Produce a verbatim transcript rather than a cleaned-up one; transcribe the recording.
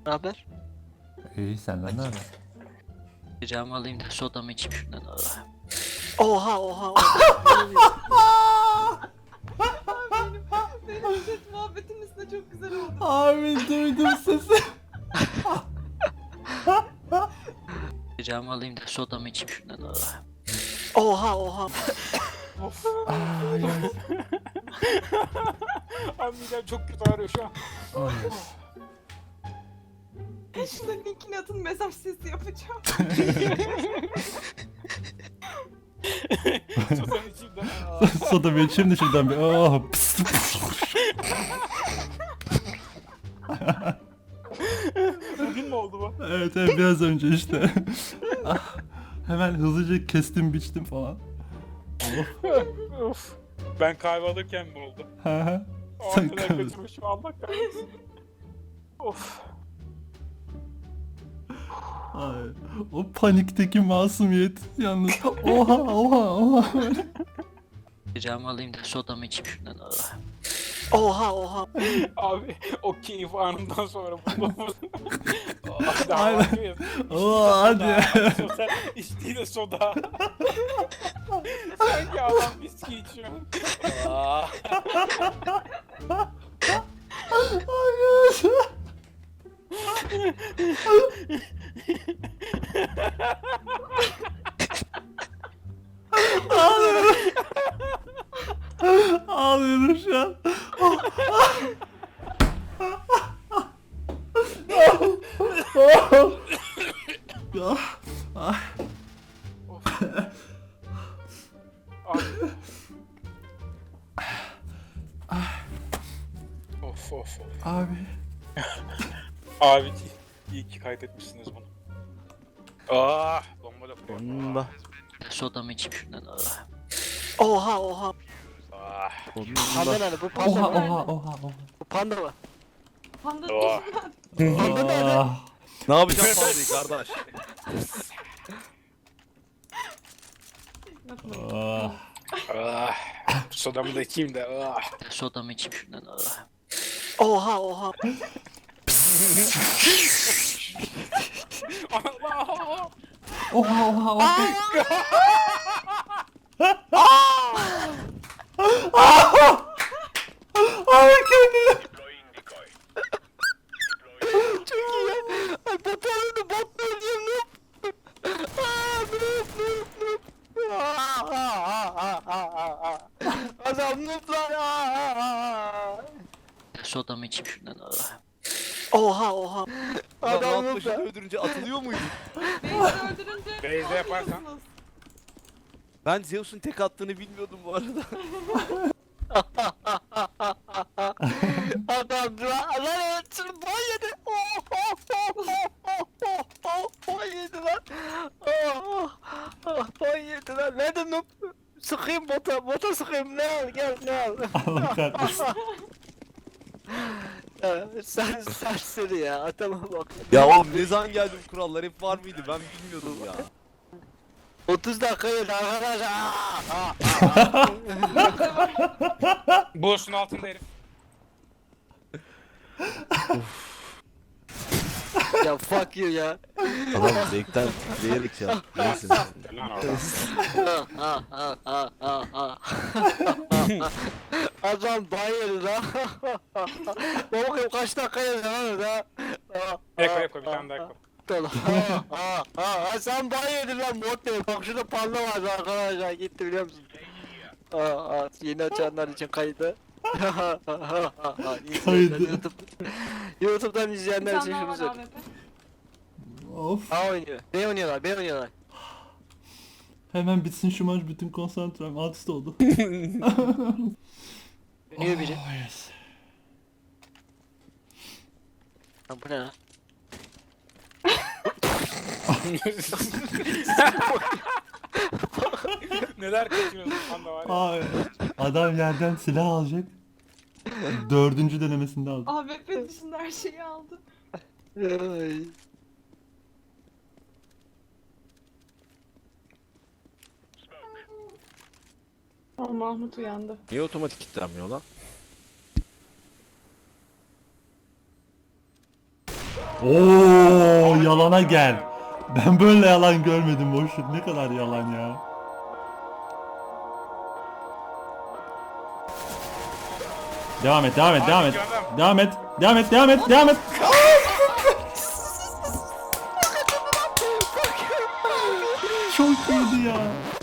Ne haber? İyi senden ne haber? Ricamı alayım da sodamı içeyim şundan. Ah. Oha oha oha. benim, benim chat muhabbetimizde çok güzel oldu. Abi duydum sesi. Ricamı alayım da sodamı içeyim şundan. Ah. Oha oha. Of. Ay, ay. Abi midem çok kötü ağrıyor şu an. Ay. Şurada linkini atın, mesaj sesi yapacağım. Sosanın içinden. Aa. Soda bir içeyim de şuradan bir. Oh, pıs, pıs. Bugün mü oldu bu? Evet evet biraz önce işte. Ah, hemen hızlıca kestim biçtim falan. Of. Ben kahve alırken mi oldu? Hı hı. O Sen kadar kahve- götürmüşüm, Allah kahretsin. Of. Ay, o panikteki masumiyet yalnız. Oha oha oha. Ricamı alayım da sodamı içeyim şundan. Ah. Oha oha. Abi o keyif anından sonra bunu Daha Aynen. bakıyoruz. Oo, hadi. Soda, içtiği de soda. Sanki adam viski içiyor. Aa. Ağlıyorum. Ağlıyorum şu an. Ah, ah. Of of of. Abi. Abi iyi ki kaydetmişsiniz bunu. Ah, bomba da koyuyor. Bomba. Sodamı içeyim şundan. Ah. Oha oha. Ah. Panda Bomba. nerede? Bu panda Oha mı? oha oha oha. Bu panda mı? Panda Oh. Panda nerede? Ah. Ne yapacağım fazlayı kardeş? yapmayın. Ah. Ah. Sodamı da içeyim de. Ah. Sodamı içeyim şundan. Ah. Oha oha. Allah. Oha oha oha. Abi kendini. Çok iyi ya. Ay bot öldü, bot öldü. Noob. Aa, noob, noob, noob. Aa, aa, aa, aa, aa. Adam noob lan. Aa, aa, aa. Sodamı içeyim şundan. Ah. Oha oha. Adam Adam rahat noob başını lan. öldürünce atılıyor muydu? Beyzi öldürünce... Beyzi yaparsan. atıyorsunuz. Ben Zeus'un tek attığını bilmiyordum bu arada. Adam lan lan ölçün boy yedi. Oh oh oh oh oh oh oh boy yedi lan. Oh oh boy yedi lan. Ne dedim? Sıkayım bota, bota sıkayım. Ne al gel ne al. Allah kahretsin. Ya, sen serseri ya adama bak. Ya oğlum ne zaman geldi bu kurallar hep var mıydı ben bilmiyordum ya. otuz dakika yedi arkadaşlar. Aa, aa, aa. Boşun altında herif. Ya fuck you ya. Adam zevkten titreyerek ya. Neyse. Lan oradan. Adam bayıldı lan. Bakayım kaç dakika yazıyor lan orada. Eko eko bir tane daha eko. Tamam. Ha ha ha sen bayıldın lan bot değil. Bak şurada panda vardı arkadaşlar gitti biliyor musun? Aa, aa, yeni açanlar için kaydı. Kaydı. YouTube, YouTube'dan Bir izleyenler tane için daha şunu var söyleyeyim. A W P. Of. A oynuyor. B oynuyorlar, B oynuyorlar. Hemen bitsin şu maç, bütün konsantrem alt üst oldu. Oynuyor biri. Oh, yes. Lan bu ne lan? Neler kaçırıyorsun panda var ya. Ay, adam yerden silah alacak. Dördüncü denemesinde aldı. A W P dışında her şeyi aldı. Ay. Aa, Mahmut uyandı. Niye otomatik kilitlenmiyor lan? Oo yalana gel. Ben böyle yalan görmedim boşluk. Ne kadar yalan ya. Devam et, devam et, devam et. Devam et, devam et, devam et, devam et. Çok iyiydi ya.